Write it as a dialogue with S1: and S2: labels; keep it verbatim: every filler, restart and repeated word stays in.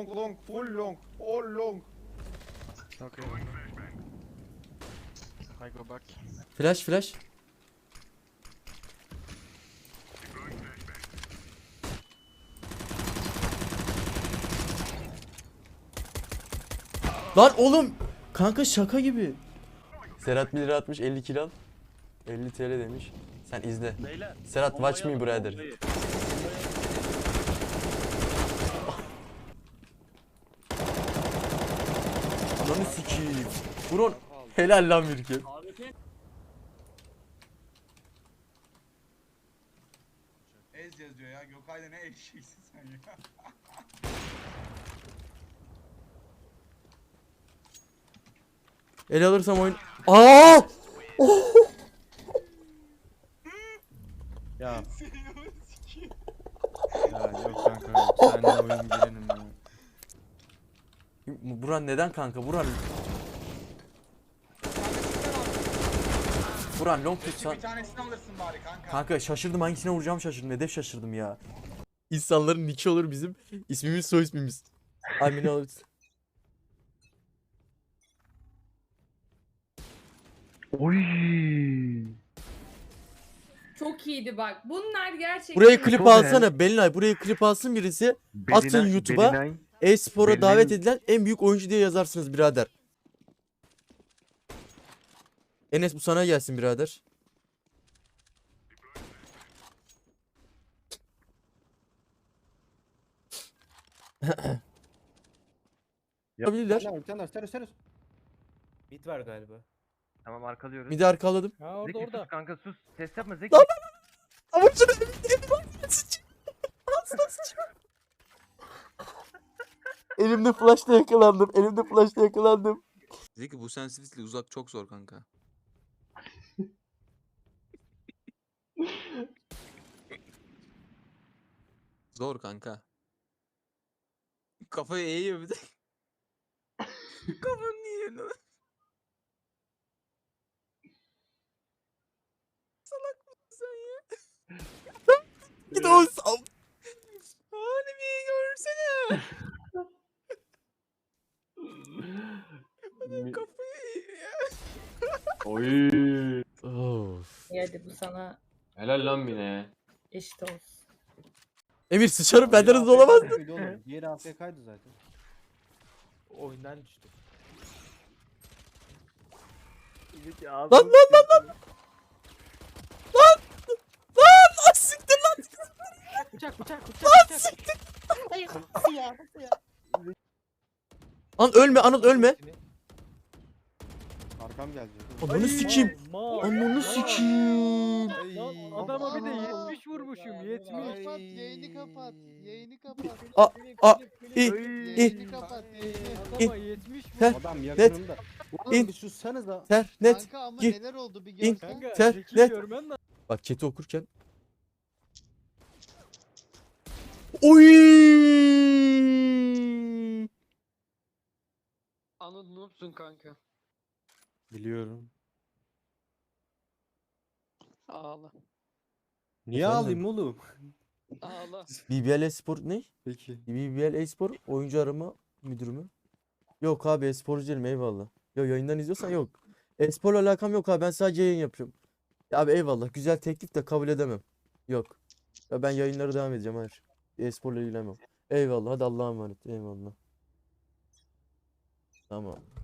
S1: long long full long all long.
S2: Okay. I go back.
S3: Flash flash. Lan oğlum. Kanka şaka gibi. Serhat bir lira atmış elli kilo al. elli T L demiş. Sen izle.
S2: Beyler.
S3: Serhat watch me brother. Ananı sikiyim. Buron helal lan bir kez.
S1: Ez yazıyor ya. Gökay'da ne eşeksin sen ya.
S3: El alırsam oyun. Aa!
S2: Ya. Ya yok kanka yok. Sen de oyun girenim ya.
S3: Buran neden kanka? Buran. Buran long tutsan.
S1: Bir tanesini alırsın bari kanka.
S3: Kanka şaşırdım, hangisine vuracağım şaşırdım. Hedef şaşırdım ya. İnsanların nicki olur bizim. İsmimiz soy ismimiz. Amin alırız.
S4: Oy.
S5: Çok iyiydi bak. Bunlar gerçekten...
S3: Burayı klip
S4: Çok
S3: alsana Belinay. Burayı klip alsın birisi. Atın YouTube'a.
S4: Belinay.
S3: E-spora
S4: Benim-
S3: davet edilen en büyük oyuncu diye yazarsınız birader. Enes bu sana gelsin birader. Yapabilirler.
S6: Bir tane daha, servis servis.
S7: Mid var galiba.
S4: Tamam arkalıyoruz.
S3: Bir de arkaladım.
S7: Ha orada
S4: Zeki
S7: orada.
S4: sus kanka sus. Ses yapma Zeki.
S3: Lan! Ama şunu Elimde flashla yakalandım. Elimde flashla yakalandım.
S8: Zeki bu sensitivity uzak çok zor kanka. Zor kanka. Kafayı eğiyor bir de. Kafanı niye eğiyor lan? Salak mısın sen ya?
S3: Git o sal.
S8: Halimi görsene. Adam kafayı eğiyor ya.
S6: Oy.
S3: Of.
S5: Hadi bu sana
S6: Helal lan Mine.
S5: eşit olsun.
S3: Emir sıçarım benden hızlı olamaz.
S6: Diğeri A F K'ydı zaten.
S7: Oyundan düştü.
S4: Zeki
S3: Lan lan lan lan. Lan. Lan siktir lan.
S7: Bıçak bıçak bıçak
S3: Lan
S7: bıçak.
S3: siktir.
S5: Hayır. Ya.
S3: An ölme Anıl ölme.
S6: Arkam geldi.
S3: Ananı sikeyim.
S7: Ma.
S3: Ananı sikeyim.
S7: Lan adama bir de yetmiş vurmuşum yetmiş.
S9: Kapat yayını kapat. Yayını kapat.
S3: A a i
S9: Yayını kapat. Yayını.
S7: Adama yetmiş vur.
S3: Ter
S6: Adam
S3: net
S6: yakınımda. Oğlum
S3: in.
S6: bir sussanıza.
S3: ter net.
S9: Kanka ama
S3: gir,
S9: neler oldu bir
S3: in.
S9: görsen.
S7: Kanka
S3: Ter,
S7: Zeki'yi
S3: net.
S7: görmen lazım.
S3: Bak chat'i okurken. Oy!
S2: Anıl noobsun kanka.
S6: Biliyorum.
S2: Ağla.
S6: Niye
S3: Efendim?
S6: ağlayayım oğlum?
S2: Ağla.
S3: B B L Espor ne?
S6: Peki.
S3: B B L Espor oyuncu arama müdürü mü? Yok abi esporcu değilim eyvallah. Yok yayından izliyorsan yok. Esporla alakam yok abi ben sadece yayın yapıyorum. Ya abi eyvallah güzel teklif de kabul edemem. Yok. Ya ben yayınlara devam edeceğim hayır. Esporla ilgilenmem. Eyvallah hadi Allah'a emanet eyvallah. Tamam.